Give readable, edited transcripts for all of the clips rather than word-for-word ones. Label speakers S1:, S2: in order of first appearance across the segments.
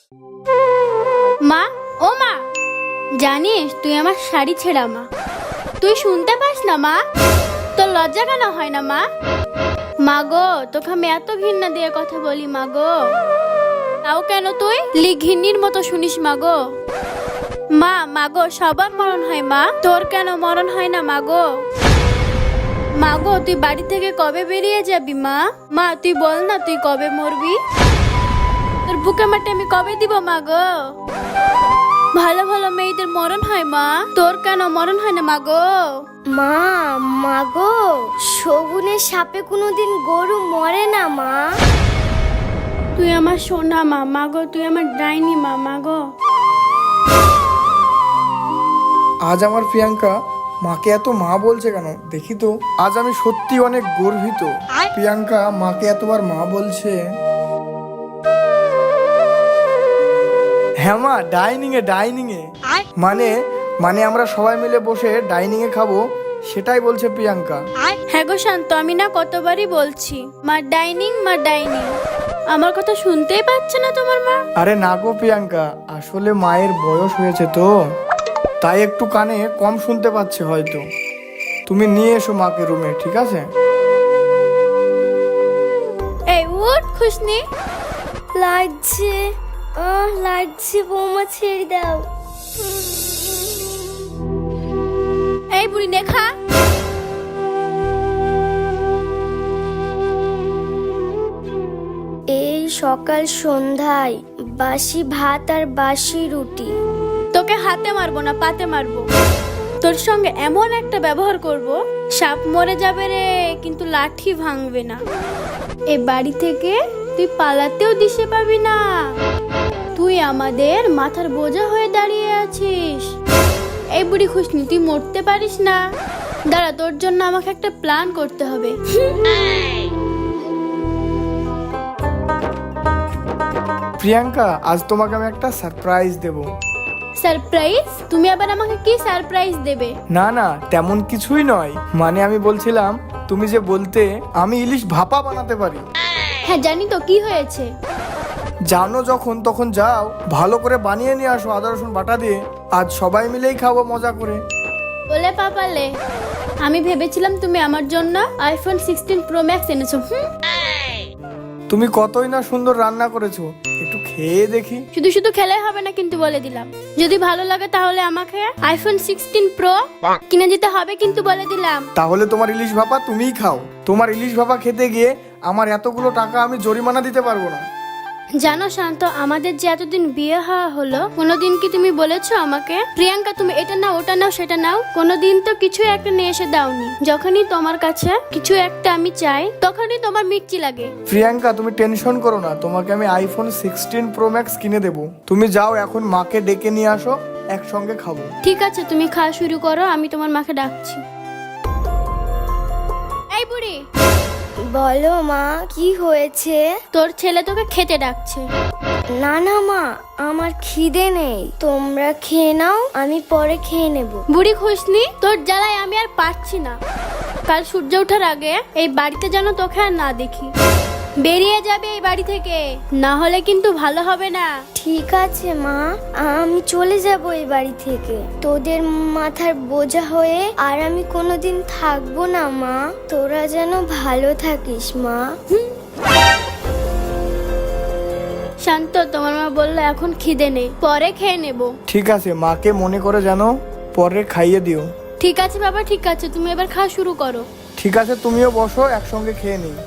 S1: মা, ও মা, জানিস তুই আমার শাড়ি ছেঁড়া মা। তুই শুনতে পাস না মা? তোর লজ্জা কেন হয় না মা? মা গো, তোকে আমি এত ঘৃণা দিয়ে কথা বলি মা গো, তাও কেন তুই ঘিন্নির মতো শুনিস মা গো? মা গো, সবার মরণ হয় মা, তোর কেন মরণ হয় না মা গো? মা গো, তুই বাড়ি থেকে কবে বেরিয়ে যাবি মা? মা তুই বল না, তুই কবে মরবি? তোর বুকে মাটি আমি কবে দিব মা গো? ভালো ভালো মেয়েদের মরণ হয় মা, তোর কেন মরণ হয় না মা গো?
S2: মা গো, শগুনের সাপে কোনোদিন গরু মরে না মা।
S1: তুই আমার সোনা মা, মা গো তুই আমার ডাইনি মা, মা গো।
S3: আজ আমার প্রিয়াঙ্কা মাকে এত মা বলছে কেন দেখি তো। আজ আমি সত্যি অনেক গর্বিত। প্রিয়াঙ্কা মাকে এতবার মা বলছে। হ্যাঁ মা, ডাইনিং এ মানে আমরা সবাই মিলে বসে ডাইনিং এ খাবো, সেটাই বলছে প্রিয়াঙ্কা।
S1: হ্যাঁ গো শান্ত, আমি না কতবারই বলছি মা ডাইনিং, মা ডাইনিং। আমার কথা শুনতেই পাচ্ছে না তোমার মা?
S3: আরে না গো প্রিয়াঙ্কা, আসলে মায়ের বয়স হয়েছে তো, তাই একটু কানে কম শুনতে পাচ্ছে হয়তো। তুমি নিয়ে এসো মাকে রুমে, ঠিক আছে?
S1: এই উঠ খুশনি।
S2: লাগছে বৌমা, ছেড়ে দাও।
S1: এই বুড়ি দেখা।
S2: এই সকাল সন্ধ্যায় বাসি ভাত আর বাসি রুটি।
S1: তোকে হাতে মারবো না, পাতে মারবো। তোর সঙ্গে এমন একটা ব্যবহার করব, সাপ মরে যাবে রে, কিন্তু লাঠি ভাঙবে না। এ বাড়ি থেকে তুই পালাতেও দিশে পাবি না। তুই আমাদের মাথার বোঝা হয়ে দাঁড়িয়ে আছিস। এই বুড়ি খুশনি, তুই মরতে পারিস না। দাঁড়া, তোর জন্য আমাকে একটা প্ল্যান করতে হবে।
S3: প্রিয়াঙ্কা, আজ তোমাকে আমি একটা সারপ্রাইজ দেব।
S1: সারপ্রাইজ? তুমি আবার আমাকে কি সারপ্রাইজ দেবে?
S3: না, তেমন কিছুই নয়। মানে আমি বলছিলাম, তুমি যে বলতে আমি ইলিশ ভাপা বানাতে পারি।
S1: হ্যাঁ জানি তো, কি হয়েছে?
S3: জানো যখন তখন যাও, ভালো করে বানিয়ে নিয়ে আসো আদা রসুন বাটা দিয়ে। আজ সবাই মিলেই খাবো মজা করে।
S1: বলে পাপালে, আমি ভেবেছিলাম তুমি আমার জন্য আইফোন 16 প্রো ম্যাক্স এনেছো।
S3: তুমি কতই না সুন্দর রান্না করেছো, একটু খেয়ে দেখি।
S1: শুধু শুধু খেলে হবে না কিন্তু, বলে দিলাম। যদি ভালো লাগে তাহলে আমাকে আইফোন 16 প্রো কিনে দিতে হবে কিন্তু, বলে দিলাম।
S3: তাহলে তোমার ইলিশ ভাপা তুমিই খাও। তোমার ইলিশ ভাপা খেতে গিয়ে আমার এতগুলো টাকা আমি জরিমানা দিতে পারবো না।
S1: জানো শান্ত, আমাদের যে এতদিন বিয়ে হওয়া হলো, কোনোদিন কি তুমি বলেছো আমাকে প্রিয়াঙ্কা তুমি এটা নাও, ওটা নাও, সেটা নাও? কোনোদিন তো কিছু একটা নিয়ে এসে দাওনি। যখনই তোমার কাছে কিছু একটা আমি চাই, তখনই তোমার মির্চি লাগে।
S3: প্রিয়াঙ্কা, তুমি টেনশন করো না, তোমাকে আমি আইফোন 16 প্রো ম্যাক্স কিনে দেবো। তুমি যাও এখন মাকে ডেকে নিয়ে আসো, একসঙ্গে খাবো।
S1: ঠিক আছে, তুমি খাওয়া শুরু করো, আমি তোমার মাকে ডাকছি। এই বুড়ি,
S2: বলো মা, কি হয়েছে?
S1: তোর ছেলে তোকে খেতে ডাকছে।
S2: না মা, আমার খিদে নেই। তোমরা খেয়ে নাও, আমি পরে খেয়ে নেব।
S1: বুড়ি খুশনি, তোর জ্বালায় আমি আর পারছি না। কাল সূর্য ওঠার আগে এই বাড়িতে যেন তোকে আর না দেখি। বেরিয়ে যাবে এই বাড়ি থেকে, না হলে কিন্তু ভালো হবে না।
S2: ঠিক আছে মা, আমি চলে যাব এই বাড়ি থেকে। তোদের মাথার বোঝা হয়ে আর আমি কোনোদিন থাকবো না মা। তোরা যেন ভালো থাকিস মা।
S1: শান্ত, তোমার মা বললো এখন খিদে নেই, পরে খেয়ে নেব।
S3: ঠিক আছে, মাকে মনে করে জানো পরে খাইয়ে দিও।
S1: ঠিক আছে বাবা, ঠিক আছে, তুমি এবার খাওয়া শুরু করো।
S3: ঠিক আছে, তুমিও বসো, একসঙ্গে খেয়ে নিই।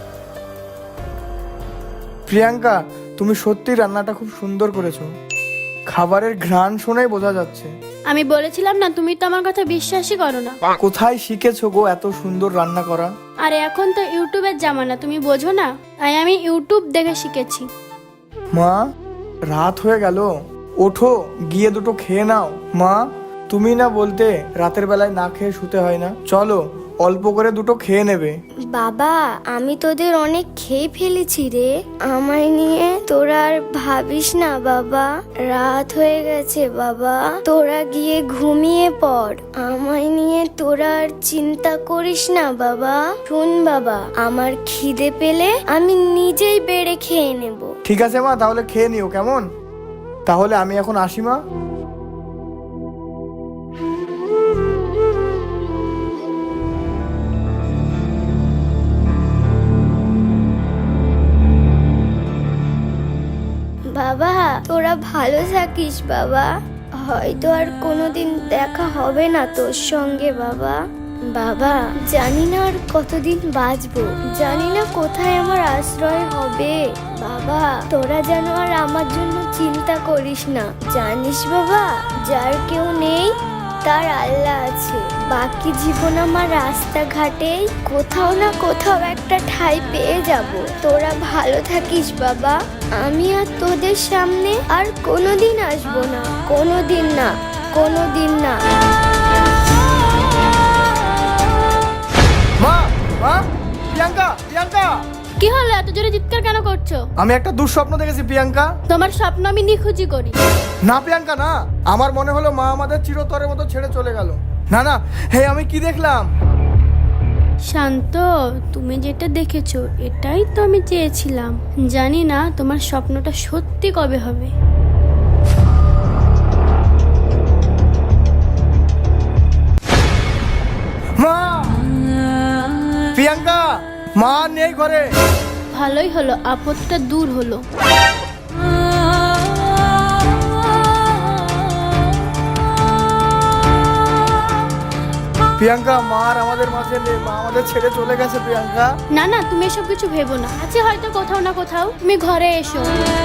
S3: প্রিয়াঙ্কা, তুমি সত্যি রান্নাটা খুব সুন্দর করেছো। খাবারের ঘ্রাণ শুনেই বোঝা যাচ্ছে।
S1: আমি বলেছিলাম না, তুমি তো আমার কথা বিশ্বাসই করো না।
S3: কোথায় শিখেছো গো এত সুন্দর রান্না করা?
S1: আরে এখন তো ইউটিউবের জামানা, তুমি বোঝো না, তাই আমি ইউটিউব দেখে শিখেছি।
S3: মা, রাত হয়ে গেল, ওঠো গিয়ে দুটো খেয়ে নাও। মা, তুমি না বলতে রাতের বেলায় না খেয়ে শুতে হয় না? চলো অল্প করে দুটো খেয়ে নেবে।
S2: বাবা, আমি তোদের অনেক খেয়ে ফেলেছি রে। আমায় নিয়ে তোরা আর ভাবিস না বাবা। রাত হয়ে গেছে বাবা, তোরা গিয়ে ঘুমিয়ে পড়। আমায় নিয়ে তোরা আর চিন্তা করিস না বাবা। শুন বাবা, আমার খিদে পেলে আমি নিজেই বেড়ে খেয়ে নেব।
S3: ঠিক আছে মা, তাহলে খেয়ে নিও কেমন? তাহলে আমি এখন আসি মা।
S2: বাবা তোরা ভালো থাকিস বাবা, হয়তো আর কোনোদিন দেখা হবে না তোর সঙ্গে বাবা। বাবা জানি না আর কতদিন বাঁচবো, জানি না কোথায় আমার আশ্রয় হবে। বাবা তোরা যেন আর আমার জন্য চিন্তা করিস না, জানিস বাবা যার কেউ নেই তার আল্লাহ আছে। বাকি জীবন আমার রাস্তাঘাটেই কোথাও না কোথাও একটা ঠাঁই পেয়ে যাব। তোরা ভালো থাকিস বাবা, আমি আর তোদের সামনে আর কোনোদিন আসবো না, কোনোদিন না, কোনোদিন না।
S3: মা মা, প্রিয়াঙ্কা প্রিয়াঙ্কা,
S1: কি হলো, এত জোরে চিৎকার কেন করছো?
S3: আমি একটা দুঃস্বপ্ন দেখেছি প্রিয়াঙ্কা।
S1: তোমার স্বপ্ন আমি নিখুঁজি করি।
S3: না প্রিয়াঙ্কা না, আমার মনে হলো মা আমাদের চিরতরের মতো ছেড়ে চলে গেল। না না, হে আমি কি দেখলাম?
S1: শান্ত, তুমি যেটা দেখেছো এটাই তো আমি চেয়েছিলাম। জানি না তোমার স্বপ্নটা সত্যি কবে হবে।
S3: মা, প্রিয়াঙ্কা, মা নেই ঘরে।
S1: ভালোই হলো, আপদটা দূর হলো।
S3: প্রিয়াঙ্কা, মা আর আমাদের মাঝে নেই, মা আমাদের ছেড়ে চলে গেছে প্রিয়াঙ্কা।
S1: না না, তুমি এসব কিছু ভেবো না, আছে হয়তো কোথাও না কোথাও। তুমি ঘরে এসো।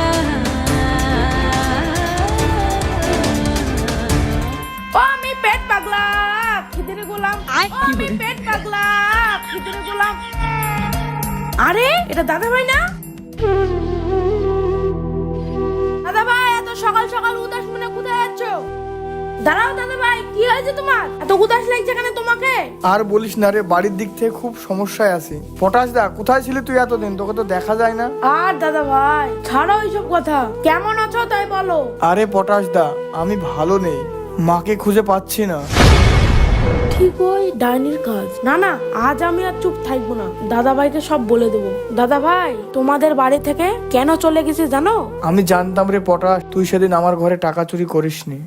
S4: ও আমি পেট পাগলা খিদেরে গোলাম, ও আমি পেট পাগলা খিদেরে গোলাম। আরে এটা দাদা ভাই না? দাদা ভাই এত সকাল সকাল উদাস মনে কোথায় যাচ্ছ? দাঁড়াও দাদা ভাই, কি হয়েছে তোমার? এত উদাস লাগছে কেন তোমাকে?
S3: আর বলিস না রে, বাড়ির দিক থেকে খুব সমস্যায় আছি। পটাশ দা, কোথায় ছিলি তুই এতদিন? তোকে তো দেখা যায় না।
S4: আর দাদা ভাই ছাড়ো এইসব কথা, কেমন আছো তাই বলো।
S3: আরে পটাশ দা, আমি ভালো নেই, মাকে খুঁজে পাচ্ছি না।
S4: ঠিক ওই ডাইনির কাজ। না না, আজ আমি আর চুপ থাকবো না, দাদা ভাইকে সব বলে দেবো। দাদা ভাই তোমাদের বাড়ি থেকে কেন চলে গেছে জানো?
S3: আমি জানতাম রে পটাশ, তুই সেদিন আমার ঘরে টাকা চুরি করিসনি।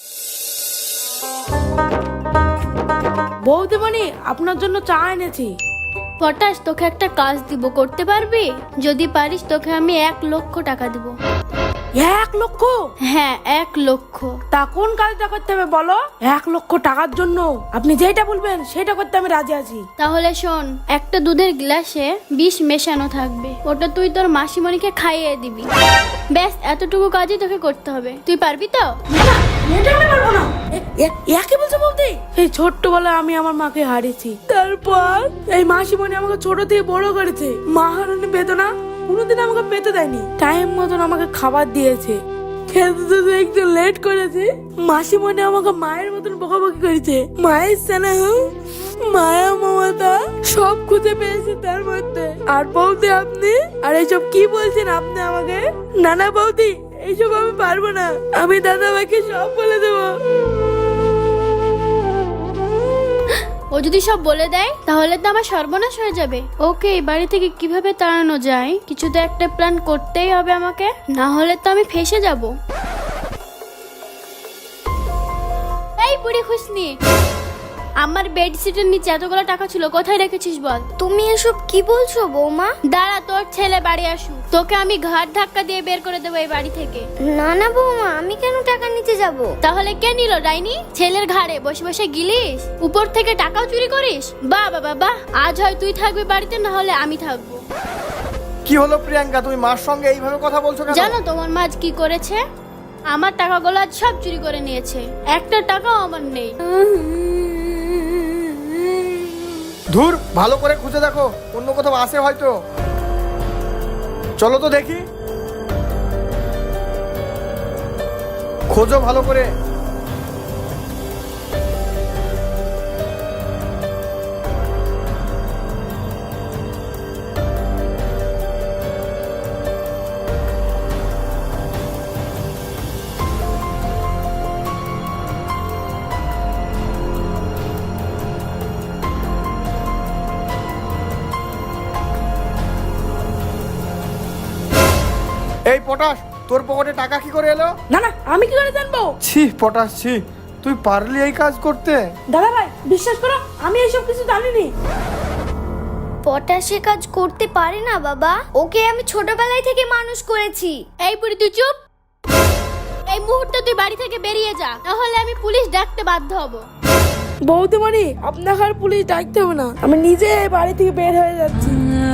S4: বৌদিমণি আপনার জন্য চা এনেছি।
S1: পটাশ, তোকে একটা কাজ দিব, করতে পারবি? যদি পারিস তোকে আমি 1 লক্ষ টাকা দিব।
S4: 1 লক্ষ?
S1: হ্যাঁ 1 লক্ষ।
S4: তা কোন কাজটা করতে হবে বলো? 1 লক্ষ টাকার জন্য আপনি যেটা বলবেন সেটা করতে আমি রাজি আছি।
S1: তাহলে শোন, একটা দুধের গ্লাসে বিষ মেশানো থাকবে, ওটা তুই তোর মাসিমণিকে খাইয়ে দিবি। ব্যাস, এতটুকু কাজই তোকে করতে হবে। তুই পারবি তো?
S4: না, এটা আমি পারবো না। একে বলছো বলতে? এই ছোট্টবেলায় আমি আমার মাকে হারিয়েছি, তারপর এই মাসিমণি আমাকে ছোট থেকে বড় করেছে। মা হারানোর বেদনা কোনোদিন আমাকে পেতে দেয়নি, টাইম মতন আমাকে খাবার দিয়েছে। খেতে তো একটু লেট করেছে, মাসিমণি আমাকে মায়ের মতন বকাবকি করেছে। মায়ের স্নেহ, মায়া, মমতা সব খুঁজে পেয়েছে তার মধ্যে। আর বৌদি আপনি, আর এইসব কি বলছেন আপনি আমাকে? না না বৌদি, এইসব আমি পারবো না, আমি দাদা ভাইকে সব বলে দেবো।
S1: ও যদি সব বলে দেয় তাহলে তো আমার সর্বনাশ হয়ে যাবে। ওকে এই বাড়ি থেকে কিভাবে তাড়ানো যায়, কিছু তো একটা প্ল্যান করতেই হবে আমাকে, না হলে তো আমি ফেঁসে যাব। এই বুড়ি খুশনি, আমার বেডশিটের নিচে এতগুলো টাকা ছিল, কোথায় রেখেছিস বল?
S2: তুমি এসব কি বলছো বৌমা?
S1: দাঁড়া, তোর ছেলে বাড়ি আসুক, তোকে আমি ঘাট ধাক্কা দিয়ে বের করে দেবো এই বাড়ি থেকে।
S2: না না বৌমা, আমি কেন টাকা নিতে যাব?
S1: তাহলে কে নিল ডাইনি? ছেলের ঘাড়ে বসে বসে গিলিস, উপর থেকে টাকাও চুরি করিস। বাহ বাবা বাহ, আজ হয় তুই থাকবি বাড়িতে, না হলে আমি থাকবো।
S3: কি হলো প্রিয়াঙ্কা, তুমি মার সঙ্গে এইভাবে কথা বলছো কেন?
S1: জানো তোমার মা আজ কি করেছে? আমার টাকাগুলো আজ সব চুরি করে নিয়েছে, একটা টাকাও আমার নেই।
S3: ধুর, ভালো করে খুঁজে দেখো, অন্য কোথাও আছে হয়তো। চলো তো দেখি, খোঁজো ভালো করে। এই পটাশ, তোর পকেটে টাকা কি করে এলো?
S4: না না, আমি কি করে জানবো?
S3: ছি পটাশ ছি, তুই পারলি এই কাজ করতে?
S4: দাদা ভাই বিশ্বাস করো, আমি এইসব কিছু জানিনি।
S2: পটাশে কাজ করতে পারে না বাবা, ওকে আমি ছোটবেলায় থেকে মানুষ করেছি।
S1: এই বুড়ি তুই চুপ। এই মুহূর্তে তুই বাড়ি থেকে বেরিয়ে যা, নাহলে আমি পুলিশ ডাকতে বাধ্য হব।
S4: বৌদিমণি, আপনাকে আর পুলিশ ডাকতে হবে না, আমি নিজে এই বাড়ি থেকে বের হয়ে যাচ্ছি।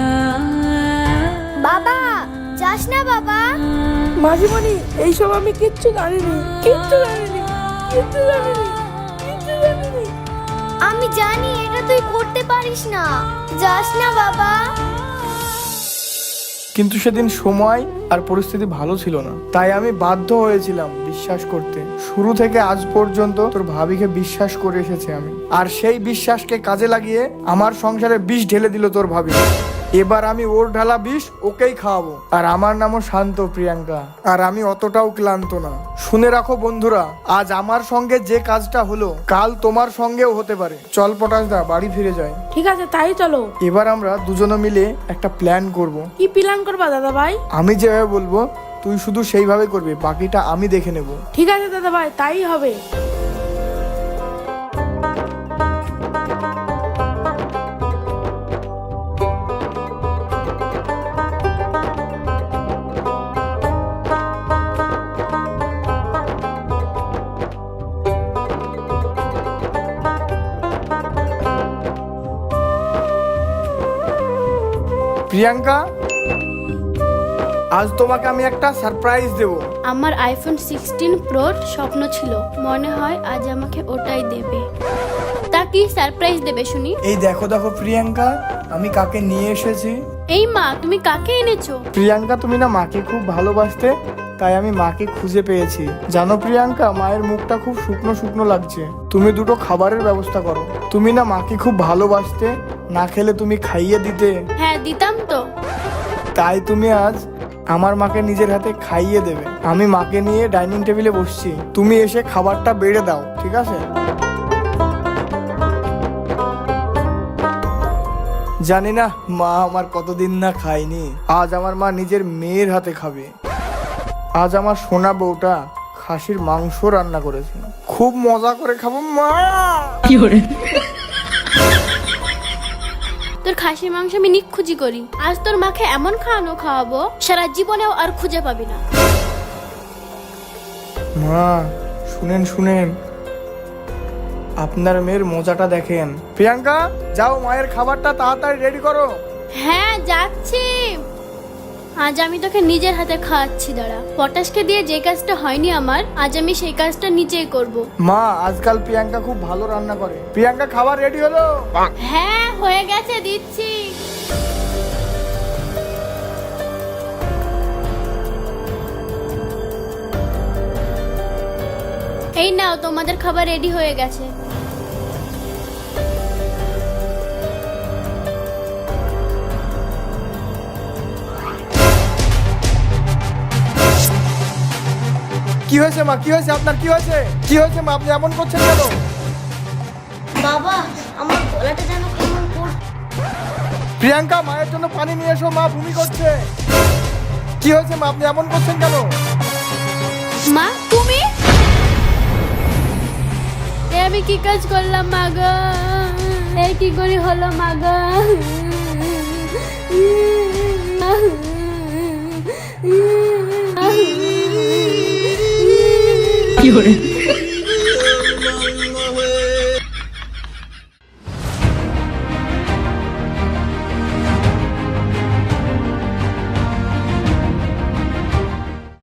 S2: বাবা যাস না বাবা।
S4: মাঝিমণি, এইসব আমি কিচ্ছু জানিনি, কিচ্ছু জানিনি, কিচ্ছু জানিনি, কিচ্ছু জানিনি।
S2: আমি জানি এটা তুই করতে পারিস না, যাস না বাবা।
S3: কিন্তু সেদিন সময় আর পরিস্থিতি ভালো ছিল না, তাই আমি বাধ্য হয়েছিলাম বিশ্বাস করতে। শুরু থেকে আজ পর্যন্ত তোর ভাবিকে বিশ্বাস করে এসেছি আমি, আর সেই বিশ্বাসকে কাজে লাগিয়ে আমার সংসারে বিষ ঢেলে দিল তোর ভাবি। এবার আমি ওর ঢালা বিষ ওকেই খাওয়াবো। আর আমার নামও শান্ত প্রিয়াঙ্কা, আর আমি অতটাও ক্লান্ত না। শুনে রাখো বন্ধুরা, আজ আমার সঙ্গে যে কাজটা হলো কাল তোমার সঙ্গেও হতে পারে। চল পটাশ দা, বাড়ি ফিরে যাই।
S4: ঠিক আছে, তাই চলো।
S3: এবার আমরা দুজনে মিলে একটা প্ল্যান করব।
S4: কি প্ল্যান করবা দাদা ভাই?
S3: আমি যেভাবে বলবো তুই শুধু সেইভাবে করবি, বাকিটা আমি দেখে নেব।
S4: ঠিক আছে দাদা ভাই, তাই হবে।
S3: প্রিয়াঙ্কা, আজ তোমাকে আমি একটা সারপ্রাইজ দেব।
S1: আমার আইফোন 16 প্রোর স্বপ্ন ছিল, মনে হয় আজ আমাকে ওটাই দেবে। তা কি সারপ্রাইজ দেবে শুনি?
S3: এই দেখো দেখো প্রিয়াঙ্কা, আমি কাকে নিয়ে এসেছি।
S1: এই মা, তুমি কাকে এনেছো?
S3: প্রিয়াঙ্কা, তুমি না মাকে খুব ভালোবাসতে, তাই আমি মাকে খুঁজে পেয়েছি। জানো প্রিয়াঙ্কা, মায়ের মুখটা খুব শুকনো শুকনো লাগছে, তুমি দুটো খাবারের ব্যবস্থা করো। তুমি না মাকে খুব ভালোবাসতে, না খেলে তুমি খাইয়ে দিতে।
S1: হ্যাঁ দিতাম তো।
S3: তাই তুমি আজ আমার মাকে নিজের হাতে খাইয়ে দেবে। আমি মাকে নিয়ে ডাইনিং টেবিলে বসছি, তুমি এসে খাবারটা বেড়ে দাও, ঠিক আছে? জানি না মা আমার কতদিন না খায়নি, আজ আমার মা নিজের মেয়ের হাতে খাবে। আজ আমার সোনা বউটা খাসির মাংস রান্না করেছে, খুব মজা করে খাবো মা।
S1: তোর খাসির মাংস আমি নিখুঁজি করি, আজ তোর মাকে এমন খাওয়াবো সারা জীবনেও আর খুঁজে পাবি না।
S3: মা শুনেন শুনেন, আপনার মেয়ের মজাটা দেখেন। প্রিয়াঙ্কা, যাও মায়ের খাবারটা তাড়াতাড়ি রেডি করো।
S1: হ্যাঁ যাচ্ছি। আজ আমি তোকে নিজের হাতে খাওয়াচ্ছি, দাঁড়া। পটাশকে দিয়ে যে কাজটা হয়নি আমার, আজ আমি সেই কাজটা নিজেই করব।
S3: মা, আজকাল প্রিয়াঙ্কা খুব ভালো রান্না করে। প্রিয়াঙ্কা, খাবার রেডি হলো?
S1: হ্যাঁ হয়ে গেছে, দিচ্ছি। এই নাও, তোমাদের খাবার রেডি হয়ে গেছে।
S3: কি হয়েছে মা, কি হয়েছে আপনার, কি হয়েছে? কি হয়েছে মা, আপনি এমন করছেন কেন?
S2: বাবা আমার গলাটা যেন কেমন করছে।
S3: প্রিয়াঙ্কা, মায়ের জন্য পানি নিয়ে এসো, মা বমি করছে। কি হয়েছে মা, আপনি এমন করছেন কেন?
S1: মা তুমি? আমি কি কাজ করলাম মা গো? এই কি করে হলো মা গো?
S5: কি